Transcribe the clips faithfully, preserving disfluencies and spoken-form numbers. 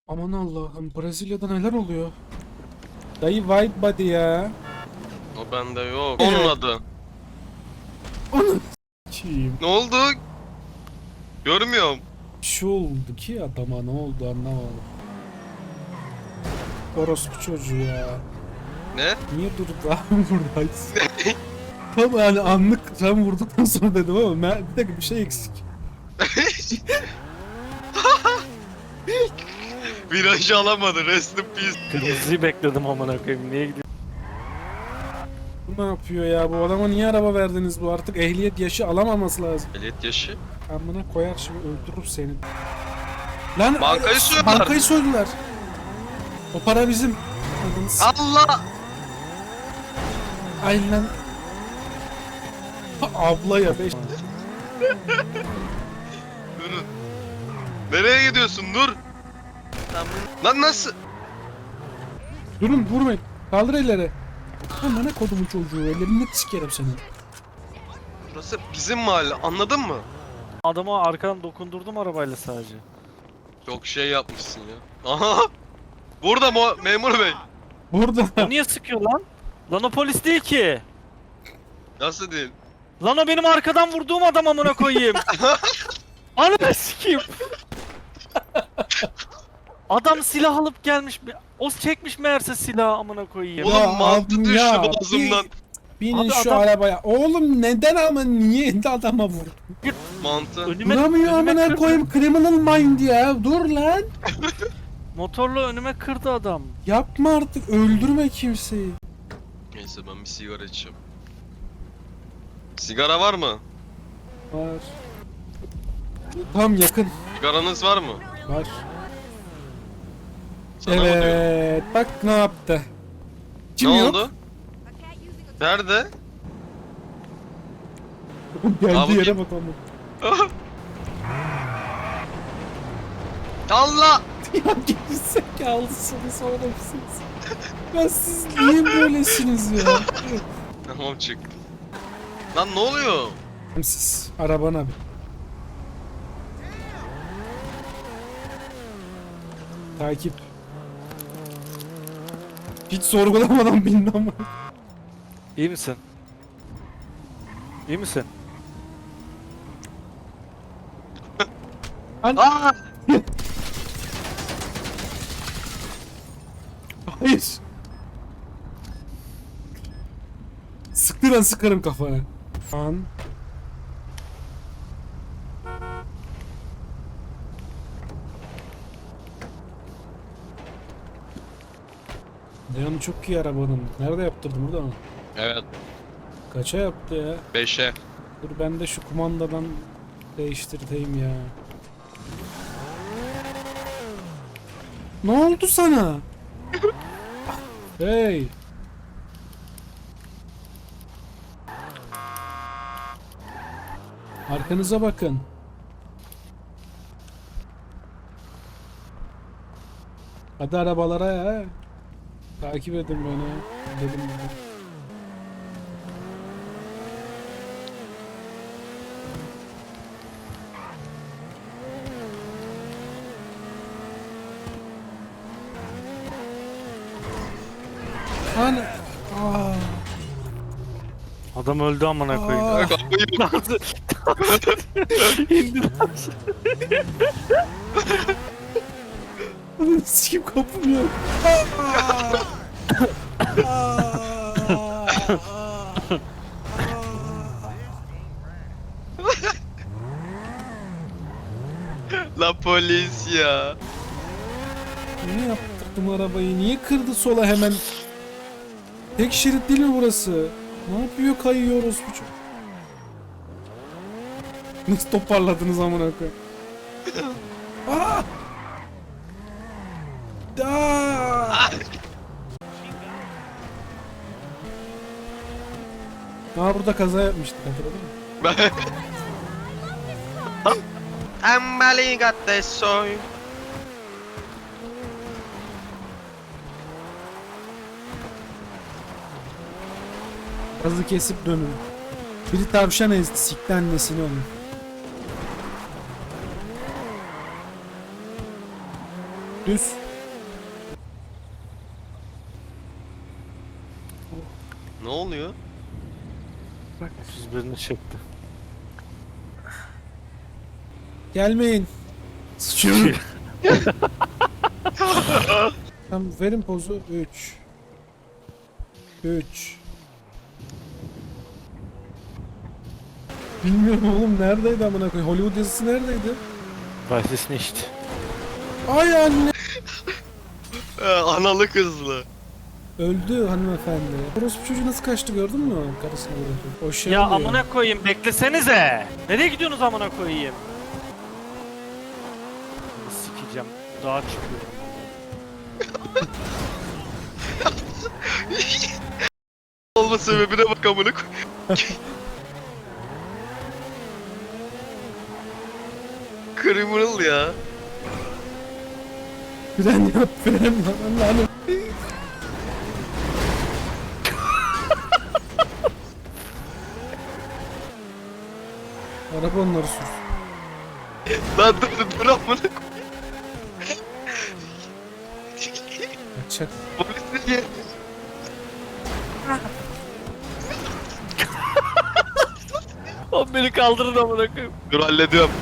Aman Allah'ım, Brezilya'da neler oluyor? Dayı White Body ya. O bende yok. Onun adı. Onu s**eyim. Ne oldu? Görmüyorum. Bir şey oldu ki adama, ne oldu anlamadım. Orospu çocuğu ya. Ne? Niye durdu abi buradayız? Tam yani anlık sen vurduktan sonra dedim ama ben- bir dakika bir şey eksik. Virajı alamadı. Rest in peace. Kırmızıyı bekledim amına koyayım. Niye gidiyor? Bu ne yapıyor ya? Bu adama niye araba verdiniz? Bu artık ehliyet yaşı alamaması lazım. Ehliyet yaşı. Amına koyar şimdi, öldürür seni. Lan Bankayı ay- soydular. Bankayı soydular. O para bizim. Adını s- Allah! Ay lan. Ha, abla ya beş. Durun. Nereye gidiyorsun? Dur. Lan nasıl? Durun vurmayın. Kaldır elleri. Amına kodumun çocuğu, ellerini sikerim seni. Burası bizim mahalle. Anladın mı? Adama arkadan dokundurdum arabayla sadece. Çok şey yapmışsın ya. Aha! Burada mı memur bey? Burada. O niye sıkıyor lan? Lan o polis değil ki. Nasıl değil? Lan o benim arkadan vurduğum adam amına koyayım. Ananı sikeyim. Adam silah alıp gelmiş. O çekmiş meğerse silahı amına koyayım. Ya Oğlum mantı abim düştü ya, boğazımdan. Binin Abi şu adam- arabaya. Oğlum neden ama niye adama vur? Mantı. Önüme, Duramıyor önüme amına kırdı. koyayım, criminal mind ya. Dur lan. Motorla önüme kırdı adam. Yapma artık, öldürme kimseyi. Neyse ben bir sigara içeceğim. Sigara var mı? Var. Tam yakın. Sigaranız var mı? Var. Sana mı diyorum? Evet. Bak ne yaptı. Kim Ne yok? oldu? Nerede? Geldiği Abi- yere bak ama. Allah! Ya gerizekalısınız oğlum siz. Ya siz niye böylesiniz ya? Tamam çık. Lan ne oluyor? Siz arabana bir. Takip. Hiç sorgulamadan bindi ama. İyi misin? İyi misin? Aa! Hayır. Sıktı lan, sıkarım kafana. An. Dayanı çok iyi arabanın. Nerede yaptırdın, burada mı? Evet. Kaça yaptı ya? Beşe. Dur ben de şu kumandadan değiştirteyim ya. Ne oldu sana? Hey. Arkanıza bakın. Hadi arabalara ya. Takip edin beni. Dedim ben. Hani... Aa. Adam öldü amına koyayım. Aa. Kapıyı İndi lan. Sikim kapım yok. La polis ya. Niye yaptırdım arabayı? Niye kırdı sola hemen? Tek şerit değil mi burası? Ne yapıyor, kayıyoruz bu çok. Nasıl toparladınız amına koyayım? Aa! Da! Aa, burada kaza yapmıştık, hatırladın mı? Embali gatte soy. Gazı kesip dönün. Biri tavşan ezdi, sikti annesini onun. Düz. Ne oluyor? Bak otuz birini çekti. Gelmeyin. Sıçıyorum. Tamam verin pozu. üç. üç. Bilmiyorum oğlum neredeydi amına koyayım. Hollywood yazısı neredeydi? Bahsesini içti. Ay anne. Ee, analı kızlı. Öldü hanımefendi. Orospu çocuğu nasıl kaçtı gördün mü? Karısını vurdu. O şey Ya oluyor. amına koyayım beklesenize. Nereye gidiyorsunuz amına koyayım? Sikeceğim. Dağa çıkıyorum. Olma sebebine bak amına koy. Criminal ya. Fren yap fren yap. Allah'ım. Araba onları sür. Lan dur dur dur amına koy. Kaçak. Polis niye? O beni kaldırın amına koyayım. Dur hallediyorum.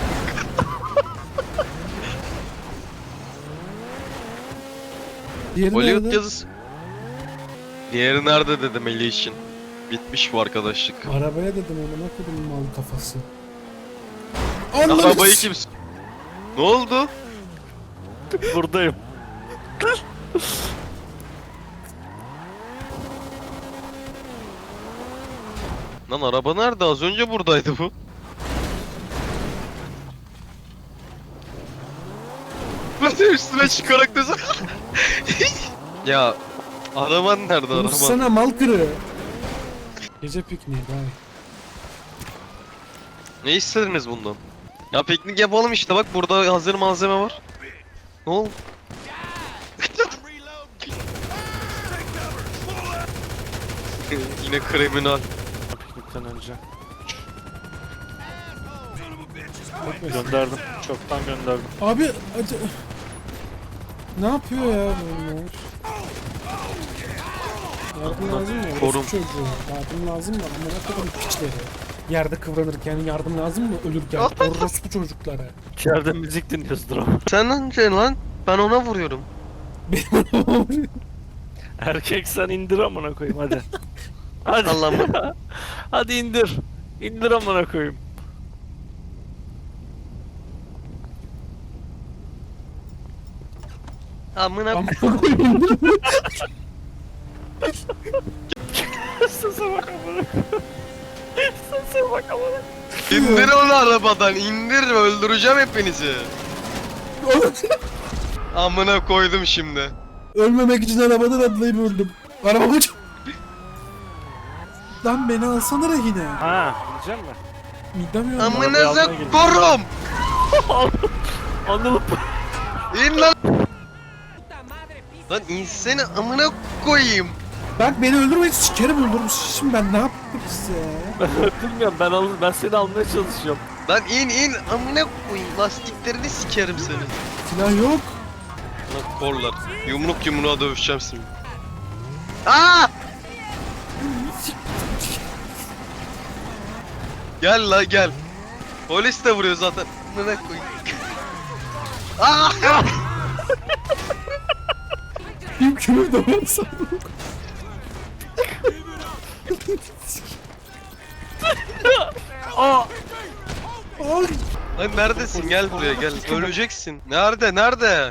Diğeri Hollywood nerede? yazısı. Diğeri nerede dedim Eli için. Bitmiş bu arkadaşlık. Arabaya dedim ona koydum mal kafası. Arabayı kim... s- Ne oldu? Buradayım. Lan araba nerede? Az önce buradaydı bu. Nasıl üstüne çıkarak desem. Ya araban nerede araban? Sana mal kırı. Gece pikniği bay. Ne istediniz bundan? Ya piknik yapalım işte bak burada hazır malzeme var. Ne oldu? Yine kriminal. Piknikten önce. Gönderdim. Çoktan gönderdim. Abi acı... Ne yapıyor ya bunlar? Yardım lazım mı? Korum. Orospu çocuğu. Yardım lazım mı? Amına koyayım piçleri. Yerde kıvranırken yardım lazım mı? Ölürken orospu çocuklara. İçeride müzik dinliyoruzdur ama. Sen önce lan ben ona vuruyorum. Erkek sen indir amına koyayım hadi. Hadi. Allah'ım. Hadi indir. İndir amına koyayım. Amına Amına koyayım. Sese bak amına koyayım. Sese bak amına. İndir onu arabadan indir öldüreceğim hepinizi. Amına koydum şimdi. Ölmemek için arabadan atlayıp öldüm. Arabamı ç- Lan beni alsana rehine. Ha, gidecek mi? Midem yandı. Amınıza almaya gelin. korum. Anladım. İn lan. Lan insene amına koyayım. Bak beni öldürmeyin sikerim öldürmüş. Şimdi ben ne yaptım size? Bilmiyorum ben al ben seni almaya çalışıyorum. Lan in in amına koyayım lastiklerini sikerim seni. Silah yok. Lan korlar. Yumruk yumruğa dövüşeceğim şimdi. Aa! Gel la gel. Polis de vuruyor zaten. Amına koyayım. Aa! Bir kilo da var sandım. Aa! Ay. Lan neredesin? Gel buraya gel. Öleceksin. Nerede? Nerede?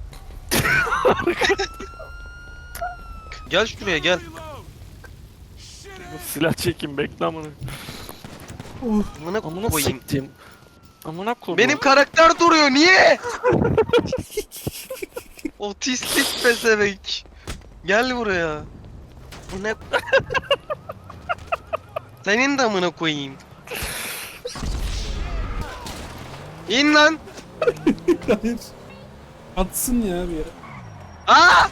Gel şuraya gel. Silah çekin bekle amına. Oh. Amına Amına koyayım. siktim. Amına koyayım. Benim karakter duruyor. Niye? Otistik pezevenk. Gel buraya. Bu ne? Senin de amına koyayım. İn lan. Hayır. Atsın ya bir yere. Aa!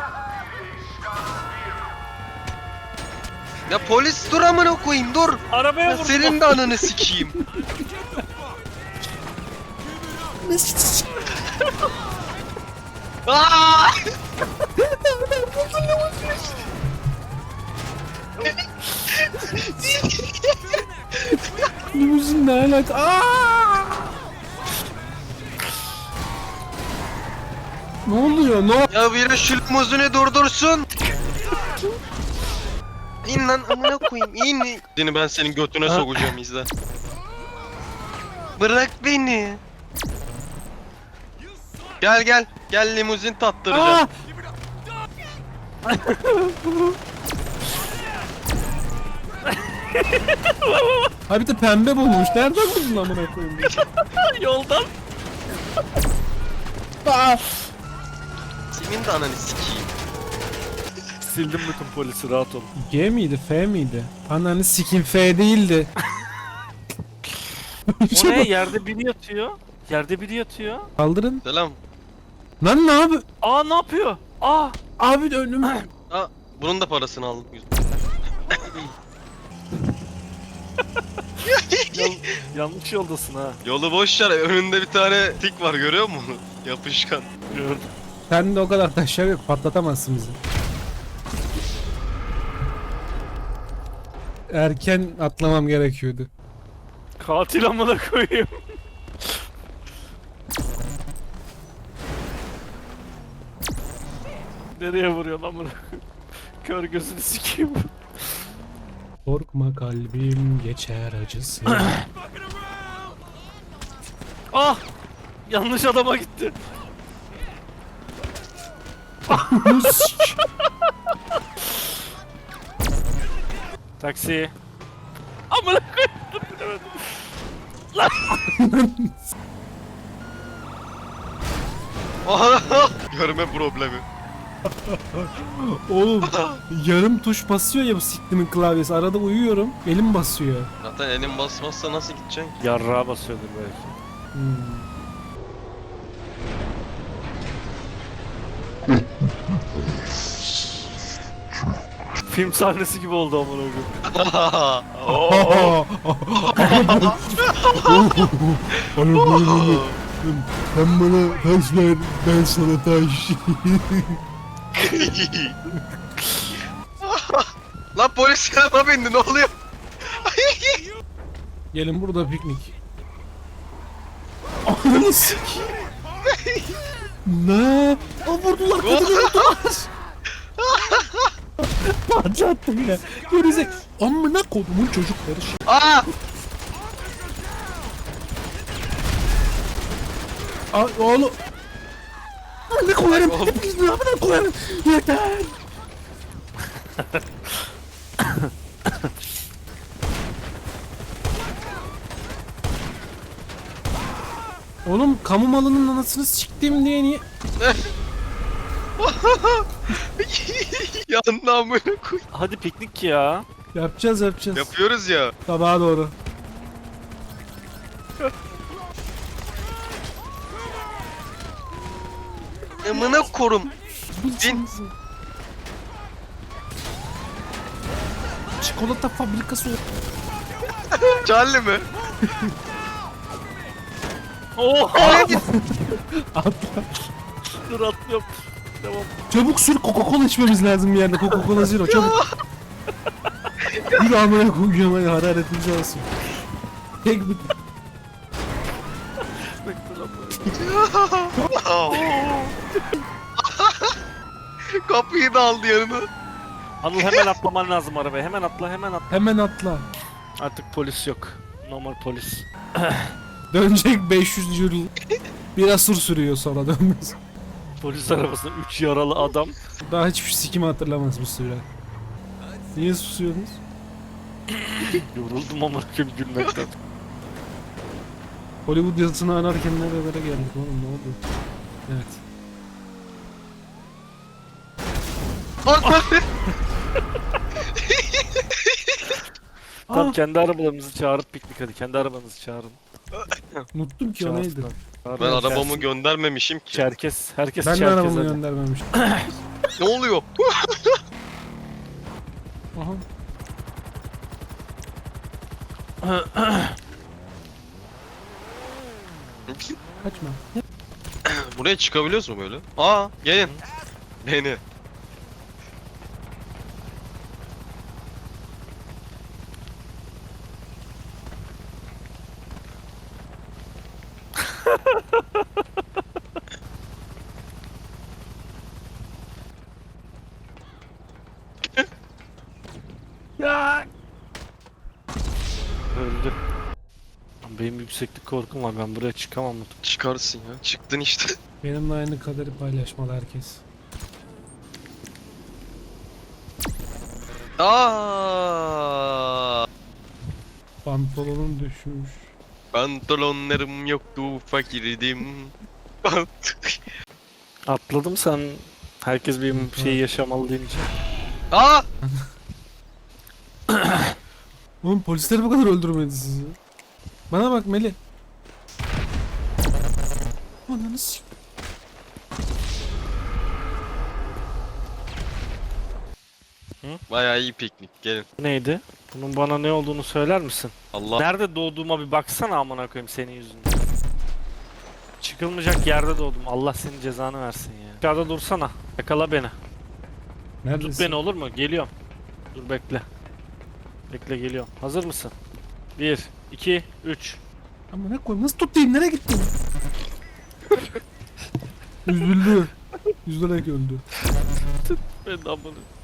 Ya polis dur amına koyayım dur. Arabaya Ya vur. senin de ananı sikeyim. Aa! Limuzin ne alaka? Aa! Ne oluyor? Ne oluyor? Ya biri şu limuzini durdursun. İn lan amına koyayım in. Seni ben senin götüne Ha? sokacağım izle. Bırak beni. Gel gel. Gel limuzin tattıracağım. Ha bir de pembe bulmuş. Nereden buldun amına koyayım? Yoldan. Aa! Senin de ananı sikeyim. Sildim bütün polisi, rahat ol. G miydi? F miydi? Ananı sikim F değildi. O ne? Yerde biri yatıyor. Yerde biri yatıyor. Kaldırın. Selam. Lan ne abi? Aa, ne yapıyor? Aa. Abi önüm. Aa, bunun da parasını aldım. Yan- yanlış yoldasın ha. Yolu boş ver. Önünde bir tane tik var görüyor musun? Yapışkan. Gördüm. Sen de o kadar taşlar yok. Patlatamazsın bizi. Erken atlamam gerekiyordu. Katil amına koyayım. Nereye vuruyor lan bunu? Kör gözünü sikeyim. Korkma kalbim geçer acısı. Ah! Yanlış adama gitti. Taksi. Amına koyayım. Dur, bilemedim. Görme problemi. Oğlum yarım tuş basıyor ya bu siktimin klavyesi. Arada uyuyorum. Elim basıyor. Zaten elin basmazsa nasıl gideceksin? Yarrağa basıyordur belki. Hmm. Film sahnesi gibi oldu amına koyayım. Sen bana taş ver, ben sana taş. Lan polis yanıma bindi ne oluyor? Gelin burada piknik. Ananı sikeyim. Ne? O vurdular, kadını vurdular. Patlattı yine. Gerizek. Amına kodumun çocukları şey. Aa! Aa, oğlum. Amına koyarım. Oğlum. Hepinizi amına koyarım. Yeter. Oğlum kamu malının anasını siktim diye niye? Yanına amına koy. Hadi piknik ya. Yapacağız yapacağız. Yapıyoruz ya. Sabaha doğru. Amına korum. Bin. Çikolata fabrikası ol- Charlie mi? Oha! Atla. Dur, atlıyorum. Devam. Çabuk sür, Coca-Cola içmemiz lazım bir yerde. Coca-Cola Zero çabuk. Bir amına koyacağım hadi hararetimizi alsın. Tek bir... Bekle lan bunu. Kapıyı da aldı yanına. Anıl, hemen atlaman lazım arabaya. Hemen atla, hemen atla. Hemen atla. Artık polis yok. Normal polis. Dönecek beş yüz yıl. Bir asır sürüyor sonra dönmez. Polis arabasında üç yaralı adam. Daha hiçbir sikimi hatırlamaz bu süre. Niye susuyorsunuz? Yoruldum amına koyayım gülmekten. Hollywood yazısını ararken nerelere geldik oğlum ne oldu? Evet. Tamam, Aa, kendi arabalarımızı çağırıp piknik hadi. Kendi arabanızı çağırın. unuttum ki o neydi? Çağırsınlar. Çağırın, Ben arabamı gelsin. göndermemişim ki. Çerkes. Herkes Ben de Çerkes arabamı hadi. göndermemiştim. Ne oluyor? Aha. Kaçma. Buraya çıkabiliyoruz mu böyle? Aa gelin. Beni. Ya. Öldü. Benim yükseklik korkum var. Ben buraya çıkamam. Çıkarsın ya. Çıktın işte. Benimle aynı kaderi paylaşmalı herkes. Aa! Pantolonum düşmüş. Pantolonlarım yoktu, fakirdim. Atladım sen. Herkes bir şey yaşamalı deyince. Aa! Oğlum polisler bu kadar öldürmedi sizi. Bana bak Meli. Ananı s***. Bayağı iyi piknik. Gelin. Neydi? Bunun bana ne olduğunu söyler misin? Allah. Nerede doğduğuma bir baksana amına koyayım senin yüzünden. Çıkılmayacak yerde doğdum. Allah senin cezanı versin ya. Aşağıda dursana. Yakala beni. Neredesin? Tut beni olur mu? Geliyorum. Dur bekle. Bekle geliyorum. Hazır mısın? bir, iki, üç. Ama ne koyayım? Nasıl tutayım? Nereye gittin? Üzüldü. Üzülerek öldü. Ben de amına.